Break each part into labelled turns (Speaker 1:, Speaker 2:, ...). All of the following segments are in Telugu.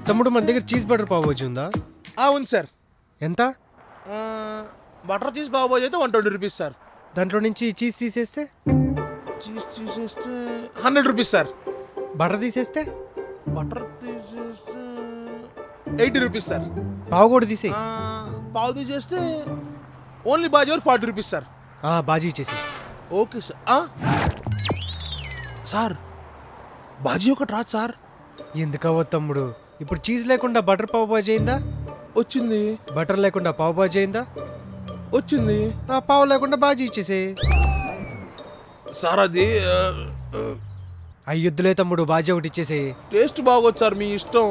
Speaker 1: తమ్ముడు మన దగ్గర చీజ్ బటర్ పావ్ బాజీ ఉందా?
Speaker 2: ఉంది సార్.
Speaker 1: ఎంత?
Speaker 2: బటర్ చీజ్ పావ్ బాజీ అయితే 120 రూపీస్ సార్.
Speaker 1: దాంట్లో నుంచి చీజ్ తీసేస్తే
Speaker 2: చీజ్ తీసేస్తే 100 రూపీస్ సార్.
Speaker 1: బటర్ తీసేస్తే
Speaker 2: బటర్ తీసేస్తే 80 రూపీస్ సార్.
Speaker 1: పావు కూడా తీసే.
Speaker 2: పావు తీసేస్తే only bhaji 40 rupees sir.
Speaker 1: Bhaji ఇచ్చేసి.
Speaker 2: Okay sir. సార్ బాజీ ఒకటి రాదు సార్.
Speaker 1: ఎందుకవ్వ తమ్ముడు, ఇప్పుడు చీజ్ లేకుండా బటర్ పావ్ బాజీ అయిందా?
Speaker 2: వచ్చింది.
Speaker 1: బటర్ లేకుండా పావ్ బాజీ అయిందా?
Speaker 2: వచ్చింది.
Speaker 1: పావు లేకుండా బాజీ ఇచ్చేసే.
Speaker 2: సార్ అది
Speaker 1: అయ్యొద్దులే తమ్ముడు, బాజీ ఒకటి ఇచ్చేసే.
Speaker 2: టేస్ట్ బాగోదు సార్, మీ ఇష్టం.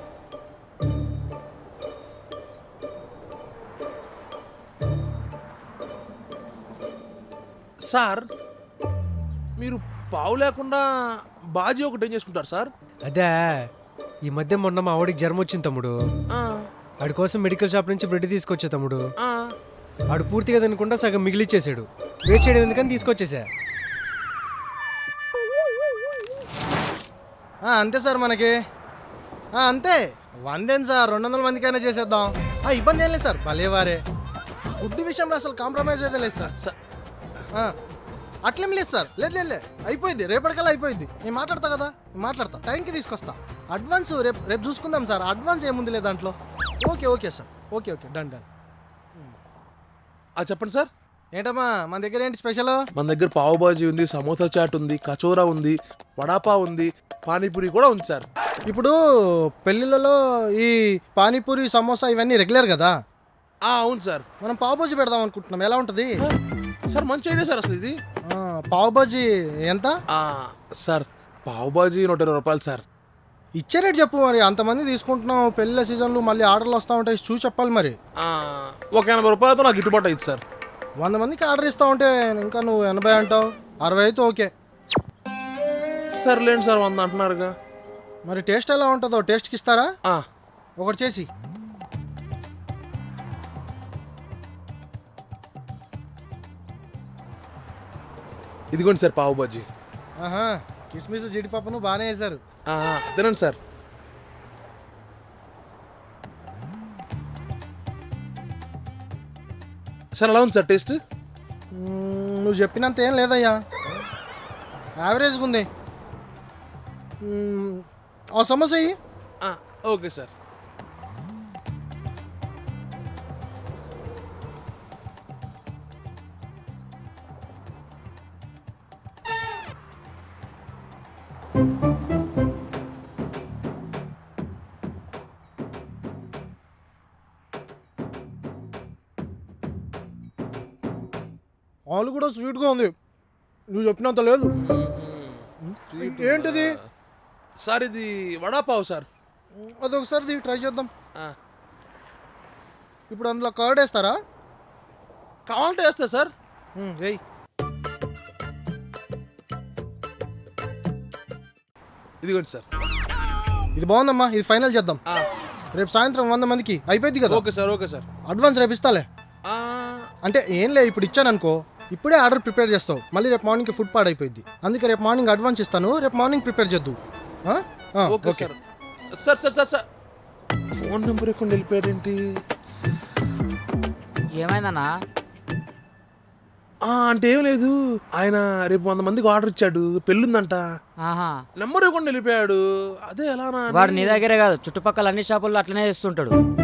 Speaker 2: సార్ మీరు పావు లేకుండా బాజీ ఒకటి ఏం చేసుకుంటారు సార్?
Speaker 1: అదే ఈ మధ్య మొన్న మా ఆవిడికి జ్వరం వచ్చింది తమ్ముడు. ఆడి కోసం మెడికల్ షాప్ నుంచి బ్రెడ్ తీసుకొచ్చా తమ్ముడు. ఆడు పూర్తిగా తినకుండా సగం మిగిలిచ్చేసాడు. వేస్ట్ చేయడం ఎందుకని తీసుకొచ్చేసా.
Speaker 3: అంతే సార్ మనకి. అంతే 100 సార్, 200 మందికైనా చేసేద్దాం. ఇబ్బంది ఏం లేదు సార్, భలేవారే. ఫుడ్ విషయంలో అసలు కాంప్రమైజ్ అయితే లేదు సార్. అట్లేం లేదు సార్, లేదు అయిపోయింది, రేపటికల్లా అయిపోయింది. నేను మాట్లాడతా కదా, మాట్లాడతా, టైంకి తీసుకొస్తా. అడ్వాన్స్ రేపు చూసుకుందాం సార్. అడ్వాన్స్ ఏముంది లేదు దాంట్లో. Okay sir, okay done.
Speaker 2: చెప్పండి సార్.
Speaker 3: ఏంటమ్మా మన దగ్గర ఏంటి స్పెషల్?
Speaker 2: మన దగ్గర పావు బాజీ ఉంది, సమోసా చాట్ ఉంది, కచోరా ఉంది, వడాపావ్ ఉంది, పానీపూరి కూడా ఉంది సార్.
Speaker 3: ఇప్పుడు పెళ్ళిళ్ళలో ఈ పానీపూరి సమోసా ఇవన్నీ రెగ్యులర్ కదా.
Speaker 2: అవును సార్.
Speaker 3: మనం పావు బాజీ పెడదాం అనుకుంటున్నాం, ఎలా ఉంటుంది
Speaker 2: సార్? మంచి ఐడియా సార్. అసలు ఇది
Speaker 3: పావు బాజీ ఎంత
Speaker 2: సార్? పావు బాజీ 120 రూపాయలు సార్.
Speaker 3: ఇచ్చే రేట్ చెప్పు మరి. అంతమంది తీసుకుంటున్నాం, పెళ్ళిళ్ళ సీజన్లు మళ్ళీ ఆర్డర్లు వస్తూ ఉంటాయి, చూసి చెప్పాలి మరి.
Speaker 2: ఒక 80 రూపాయలతో నాకు గిట్టుబాటు అయింది సార్.
Speaker 3: 100 మందికి ఆర్డర్ ఇస్తా ఉంటే ఇంకా నువ్వు 80 అంటావు, 60 అయితే ఓకే.
Speaker 2: సర్లేండి సార్, 100 అంటున్నారుగా.
Speaker 3: మరి టేస్ట్ ఎలా ఉంటుందో టేస్ట్కి ఇస్తారా? ఒకటి చేసి.
Speaker 2: ఇదిగోండి సార్ పావు బాజీ.
Speaker 3: కిస్మిస్ జీడిపప్పును బాగానే వేశారు.
Speaker 2: తినండి సార్. సార్ ఎలా ఉంది సార్ టేస్ట్?
Speaker 3: నువ్వు చెప్పినంత ఏం లేదయ్యా, యావరేజ్గా ఉంది. సమోసా ఇయ్యి.
Speaker 2: Okay sir.
Speaker 3: ఆలు కూడా స్వీట్గా ఉంది, నువ్వు చెప్పినంత లేదు. ఏంటిది
Speaker 2: సార్? ఇది వడాపావ్ సార్.
Speaker 3: అదొకసారి ట్రై చేద్దాం. ఇప్పుడు అందులో కర్డ్ వేస్తారా?
Speaker 2: కావాలంటే వేస్తా సార్.
Speaker 3: వేయి.
Speaker 2: ఇదిగోండి సార్.
Speaker 3: ఇది బాగుందమ్మా, ఇది ఫైనల్ చేద్దాం. రేపు సాయంత్రం 100 మందికి అయిపోయింది కదా.
Speaker 2: Okay sir. Okay sir.
Speaker 3: Advance రేపు ఇస్తాలే. అంటే ఏం లే, ఇప్పుడు ఇచ్చాను అనుకో, ఇప్పుడే ఆర్డర్ ప్రిపేర్ చేస్తావు, మళ్ళీ రేపు మార్నింగ్కి ఫుడ్ పాడైపోయింది. అందుకే రేపు మార్నింగ్ అడ్వాన్స్ ఇస్తాను, రేపు మార్నింగ్ ప్రిపేర్ చేద్దు.
Speaker 2: Okay sir. Sir phone number ఎక్కడ వెళ్ళిపోయాడేంటి?
Speaker 4: ఏమైందన్నా?
Speaker 2: అంటే ఏం లేదు, ఆయన రేపు 100 మందికి ఆర్డర్ ఇచ్చాడు, పెళ్ళుందంట. నెంబర్ ఇవ్వకుండా వెళ్ళిపోయాడు. అదే ఎలా?
Speaker 4: వాడు నీ దగ్గరే కాదు, చుట్టుపక్కల అన్ని షాపుల్లో అట్లనే చేస్తుంటాడు.